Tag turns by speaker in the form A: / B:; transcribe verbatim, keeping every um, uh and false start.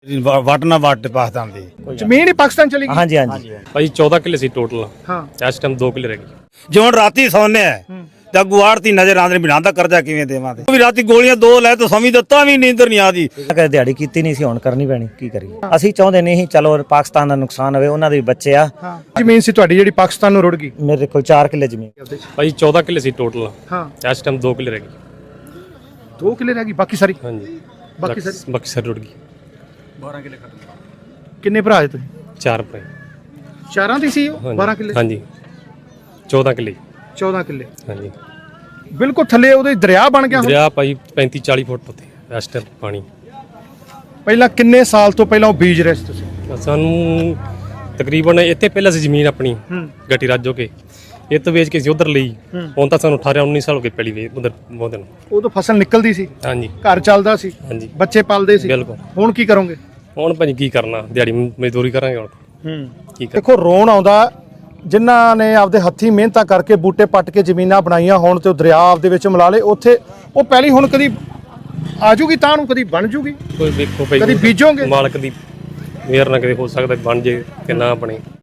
A: ਵੱਟ ਨਾ ਵੱਟ ਪਾਕਿਸਤਾਨ ਦੀ
B: ਜ਼ਮੀਨ ਹੀ ਪਾਕਿਸਤਾਨ ਚਲੀ ਗਈ।
C: ਹਾਂਜੀ ਹਾਂਜੀ
D: ਭਾਈ ਚੌਦਾਂ ਕਿੱਲੇ ਸੀ ਟੋਟਲ।
B: ਹਾਂ
D: ਇਸ ਟਾਈਮ ਦੋ ਕਿੱਲੇ ਰਹਿ ਗਏ।
A: ਜਿਉਂ ਰਾਤੀ ਸੌਂਨੇ ਆ ਤਾਂ ਗੁਆੜਤੀ ਨਜ਼ਰ ਆਉਂਦੇ ਬਿਨਾਂ ਦਾ ਕਰਜ਼ਾ ਕਿਵੇਂ ਦੇਵਾਂਗੇ ਵੀ ਰਾਤੀ ਗੋਲੀਆਂ ਦੋ ਲੈ ਤਾਂ ਸਮਝ ਦਿੱਤਾ ਵੀ ਨੀਂਦਰ ਨਹੀਂ ਆਦੀ।
C: ਕਦੇ ਦਿਹਾੜੀ ਕੀਤੀ ਨਹੀਂ ਸੀ, ਹੁਣ ਕਰਨੀ ਪੈਣੀ, ਕੀ ਕਰੀਏ। ਅਸੀਂ ਚਾਹੁੰਦੇ ਨਹੀਂ ਸੀ ਚਲੋ ਪਾਕਿਸਤਾਨ ਦਾ ਨੁਕਸਾਨ ਹੋਵੇ, ਉਹਨਾਂ ਦੇ ਵੀ ਬੱਚੇ ਆ।
B: ਹਾਂ ਜ਼ਮੀਨ ਸੀ ਤੁਹਾਡੀ ਜਿਹੜੀ ਪਾਕਿਸਤਾਨ ਨੂੰ ਰੁੜ ਗਈ।
C: ਮੇਰੇ ਕੋਲ ਚਾਰ ਕਿੱਲੇ ਜ਼ਮੀਨ।
D: ਭਾਈ ਚੌਦਾਂ ਕਿੱਲੇ ਸੀ ਟੋਟਲ।
B: ਹਾਂ
D: ਇਸ ਟਾਈਮ ਦੋ ਕਿੱਲੇ ਰਹਿ ਗਏ।
B: ਦੋ ਕਿੱਲੇ ਰਹਿ ਗਈ, ਬਾਕੀ ਸਾਰੀ
D: ਹਾਂਜੀ
B: ਬਾਕੀ ਸਾਰੀ
D: ਬਾਕੀ ਸਾਰੀ ਰੁੜ ਗਈ।
B: ਕਿੰਨੇ ਭਰਾ ਹੈ ਤੁਸੀਂ?
D: ਚਾਰ ਭਾਈ।
B: ਚਾਰਾਂ ਦੀ ਸੀ ਉਹ
D: ਹਾਂਜੀ।
B: ਬਾਰਾਂ ਕਿੱਲੇ
D: ਹਾਂਜੀ ਚੌਦਾਂ ਕਿੱਲੇ।
B: ਚੌਦਾਂ ਕਿੱਲੇ
D: ਹਾਂਜੀ
B: ਬਿਲਕੁਲ ਥੱਲੇ ਉਹਦੇ ਦਰਿਆ ਬਣ ਗਿਆ ਹੁਣ।
D: ਦਰਿਆ ਭਾਈ ਪੈਂਤੀ ਚਾਲੀ ਫੁੱਟ ਉੱਤੇ ਇਸ ਟਾਈਮ ਪਾਣੀ।
B: ਪਹਿਲਾਂ ਕਿੰਨੇ ਸਾਲ ਤੋਂ ਪਹਿਲਾਂ ਉਹ ਬੀਜ ਰਹੇ ਸੀ ਤੁਸੀਂ?
D: ਸਾਨੂੰ ਤਕਰੀਬਨ ਇੱਥੇ ਪਹਿਲਾਂ ਸੀ ਜ਼ਮੀਨ ਆਪਣੀ
B: ਹੂੰ
D: ਗੱਟੀ ਰਾਜੋ ਕੇ, ਇਹ ਤੋਂ ਵੇਚ ਕੇ ਅਸੀਂ ਉਧਰ ਲਈ। ਹੁਣ ਤਾਂ ਸਾਨੂੰ ਅਠਾਰਾਂ ਉੱਨੀ ਸਾਲ ਹੋ ਗਏ ਪਹਿਲੀ ਵੇ ਉਧਰ ਬਹੁਤ ਦਿਨ।
B: ਉਦੋਂ ਫਸਲ ਨਿਕਲਦੀ ਸੀ,
D: ਹਾਂਜੀ
B: ਘਰ ਚੱਲਦਾ ਸੀ,
D: ਹਾਂਜੀ
B: ਬੱਚੇ ਪਾਲਦੇ ਸੀ।
D: ਬਿਲਕੁਲ।
B: ਹੁਣ ਕੀ ਕਰੋਗੇ?
D: ਹੁਣ ਭਾਜੀ ਕੀ ਕਰਨਾ, ਦਿਹਾੜੀ ਮਜ਼ਦੂਰੀ ਕਰਾਂਗੇ ਹੁਣ
B: ਹੂੰ
D: ਕੀ ਕਰ।
B: ਦੇਖੋ ਰੋਣ ਆਉਂਦਾ ਜਿਨ੍ਹਾਂ ਨੇ ਆਪਦੇ ਹੱਥੀਂ ਮਿਹਨਤਾਂ ਕਰਕੇ ਬੂਟੇ ਪੱਟ ਕੇ ਜ਼ਮੀਨਾਂ ਬਣਾਈਆਂ ਹੋਣ ਤੇ ਉਹ ਦਰਿਆ ਆਪਦੇ ਵਿੱਚ ਮਿਲਾ ਲੇ, ਉੱਥੇ ਉਹ ਪਹਿਲੀ ਹੁਣ ਕਦੀ ਆਜੂਗੀ ਤਾਂ ਨੂੰ ਕਦੀ ਬਣ ਜੂਗੀ,
D: ਕੋਈ ਵੇਖੋ ਭਾਈ
B: ਕਦੀ ਬੀਜੋਗੇ।
D: ਮਾਲਕ ਦੀ ਮਿਹਰ ਨਾਲ ਕਦੇ ਹੋ ਸਕਦਾ ਬਣ ਜੇ ਕਿ ਨਾ ਬਣੇ।